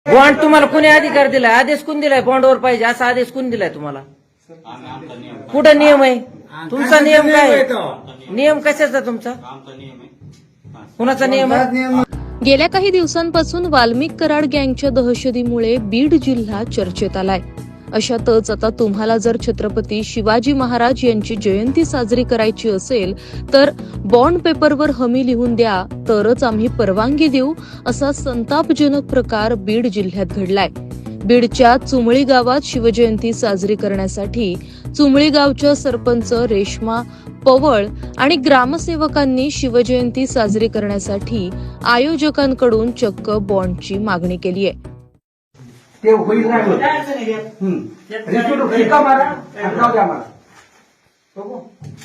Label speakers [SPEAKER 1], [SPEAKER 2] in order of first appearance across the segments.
[SPEAKER 1] Bond तुम्हाला कोणी अधिकार दिलाय? आदेश कोण दिलाय? बॉन्डवर पाहिजे असा आदेश कोण दिलाय तुम्हाला? कुठं नियम आहे तुमचा? नियम काय आहे? नियम कशाचा तुमचा? कुणाचा नियम आहे?
[SPEAKER 2] गेल्या काही दिवसांपासून वाल्मिक कराड गँगच्या दहशतीमुळे बीड जिल्हा चर्चेत आलाय. अशातच आता तुम्हाला जर छत्रपती शिवाजी महाराज यांची जयंती साजरी करायची असेल तर बॉन्ड पेपरवर हमी लिहून द्या तरच आम्ही परवानगी देऊ, असा संतापजनक प्रकार बीड जिल्ह्यात घडलाय. बीडच्या चुमळी गावात शिवजयंती साजरी करण्यासाठी चुमळी गावच्या सरपंच रेश्मा पवळ आणि ग्रामसेवकांनी शिवजयंती साजरी करण्यासाठी आयोजकांकडून चक्क बॉन्डची मागणी केली आहे.
[SPEAKER 3] ते होईल नाही होत. रिका मारा आणि जाऊ द्या मला. बघू.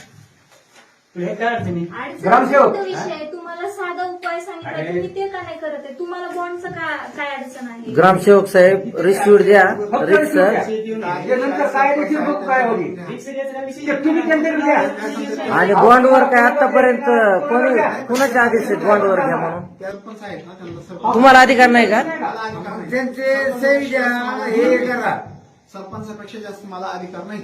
[SPEAKER 3] ग्रामसेवक
[SPEAKER 4] विषय तुम्हाला साधा उपाय सांगितला तुम्ही ते का नाही करत आहे? तुम्हाला बॉन्डचं काय अडचण आहे?
[SPEAKER 1] ग्रामसेवक साहेब रिस्यूट द्या. रिक्स
[SPEAKER 3] नंतर काय देखील बघू काय होईल ते तुम्ही त्यांच्याकडे द्या.
[SPEAKER 1] आणि बॉन्डवर काय आतापर्यंत कुणाचे आदेश आहेत बॉन्डवर घ्या म्हणून? तुम्हाला अधिकार नाही का?
[SPEAKER 3] त्यांचे सही द्या हे करा.
[SPEAKER 5] सरपंचापेक्षा जास्त मला अधिकार नाही.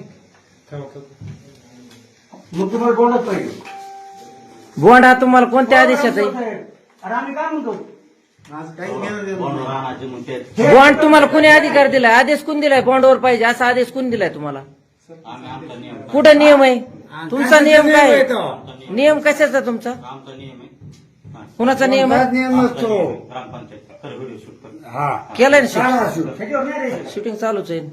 [SPEAKER 3] मग तुम्हाला बोलत पाहिजे.
[SPEAKER 1] बॉन्ड हा तुम्हाला कोणत्या आदेशात आहे?
[SPEAKER 3] अरे आम्ही काय म्हणतो
[SPEAKER 5] आज काही घेणं देणं नाही.
[SPEAKER 1] बॉन्ड तुम्हाला कोणी अधिकार दिलाय? आदेश कोण दिलाय? बॉन्डवर पाहिजे असा आदेश कोण दिलाय तुम्हाला? कुठं नियम आहे तुमचा? नियम काय आहे? नियम कशाचा तुमचा? कुणाचा नियम आहे?
[SPEAKER 3] नियम नसतो. हा
[SPEAKER 1] केलंय ना शूटिंग चालूच आहे.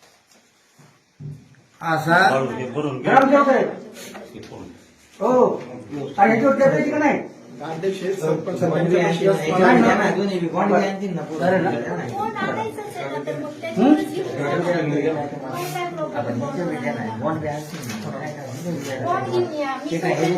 [SPEAKER 3] असा ग्रामसेवक आहे. हो आणि ह्याच्यावर देता येईल का नाही?
[SPEAKER 5] अध्यक्ष सरपंच
[SPEAKER 4] बॉन्ड आणायचंच आहे ना, तर मग त्याच्यावरच बॉन्ड घेऊन या. मी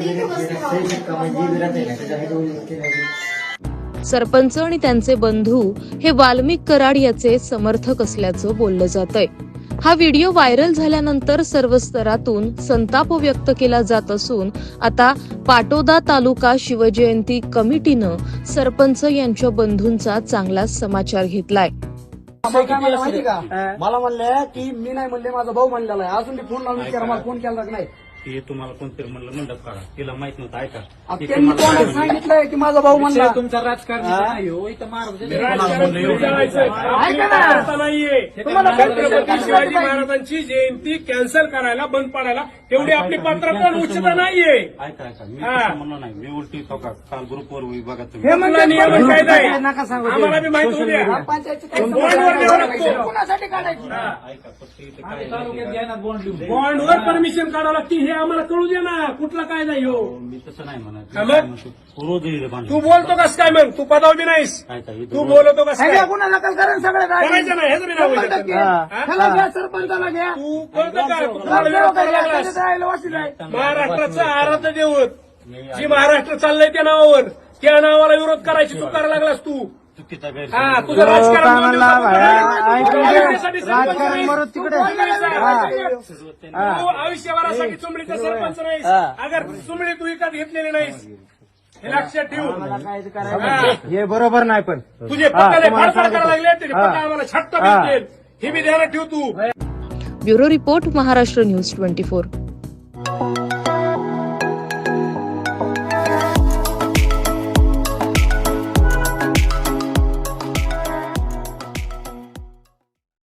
[SPEAKER 2] सरपंच आणि त्यांचे बंधू हे वाल्मिक कराड याचे समर्थक असल्याचं बोललं जातंय. हा व्हिडिओ व्हायरल झाल्यानंतर सर्व स्तरातून संताप व्यक्त केला जात असून आता पाटोदा तालुका शिवजयंती कमिटीनं सरपंच यांच्या बंधूंचा चांगला समाचार घेतलाय.
[SPEAKER 3] मला म्हणले की मी नाही म्हणले, माझा भाऊ म्हणलेला आहे. अजून फोन लावून विचारा मला फोन केला का नाही.
[SPEAKER 6] ते तुम्हाला कोणतरी म्हणलं मंडप काढा, तिला माहित नव्हतं. ऐका
[SPEAKER 3] त्यांनी कोणाला सांगितलंय की माझा भाऊ म्हणला.
[SPEAKER 7] तुमचा राजकारण नाही हो, इथं
[SPEAKER 8] छत्रपती शिवाजी महाराजांची जयंती कॅन्सल करायला, बंद पाडायला तेवढी आपली पात्रता उच्चता नाहीये.
[SPEAKER 6] ऐका मी तसं म्हणलं नाही. मी उलटी काल ग्रुपवर बघा तुम्ही.
[SPEAKER 3] हे म्हणजे
[SPEAKER 8] नियम कायदा आहे.
[SPEAKER 3] नका सांगू.
[SPEAKER 8] आम्हाला बी माहिती होऊ द्या. बॉन्डवर द्यावं लागतं.
[SPEAKER 3] कोणासाठी काढायची?
[SPEAKER 6] ऐका फक्त इथे काय
[SPEAKER 8] बॉन्डवर परमिशन काढावं लागते हे आम्हाला कळू दे ना. कुठला कायदा हो?
[SPEAKER 6] मी तसं नाही म्हणत.
[SPEAKER 8] हा मग?
[SPEAKER 6] रोज
[SPEAKER 8] तू बोलतो कस काय मग? तू पदावर बी नाहीस.
[SPEAKER 6] ऐका
[SPEAKER 8] तू बोलतो कस काय?
[SPEAKER 3] ह्याला गुन्हा दाखल करा सगळे
[SPEAKER 8] करायचं नाही. ह्याचं बी नाव आहे त्याच्यात.
[SPEAKER 3] ह्याला घ्या, सरपंचाला घ्या.
[SPEAKER 8] तू कळतं का? तू कुणाला विरोध करायला लागलास? महाराष्ट्राचं आराध्य दैवत जी महाराष्ट्र चाललंय त्या नावावर, त्या नावाला विरोध करायची तू करायला लागलास. तू
[SPEAKER 6] चुकीचा
[SPEAKER 8] हा तुझं राजकारण दोन दिवसापूर्वी
[SPEAKER 3] राजकारण तिकडे
[SPEAKER 8] तू आयुष्यभरासाठी चुमडीचा सरपंच नाहीस. अगर चुमडी तू विकत घेतलेली नाहीस हे लक्षात ठेवू.
[SPEAKER 3] हे बरोबर नाही. पण
[SPEAKER 8] तुझे पक्काले फाडफाड करायला लागले तरी पक्का आम्हाला छट्ट भेटतील हे बी ध्यानात ठेव तू.
[SPEAKER 2] Bureau report, Maharashtra news 24.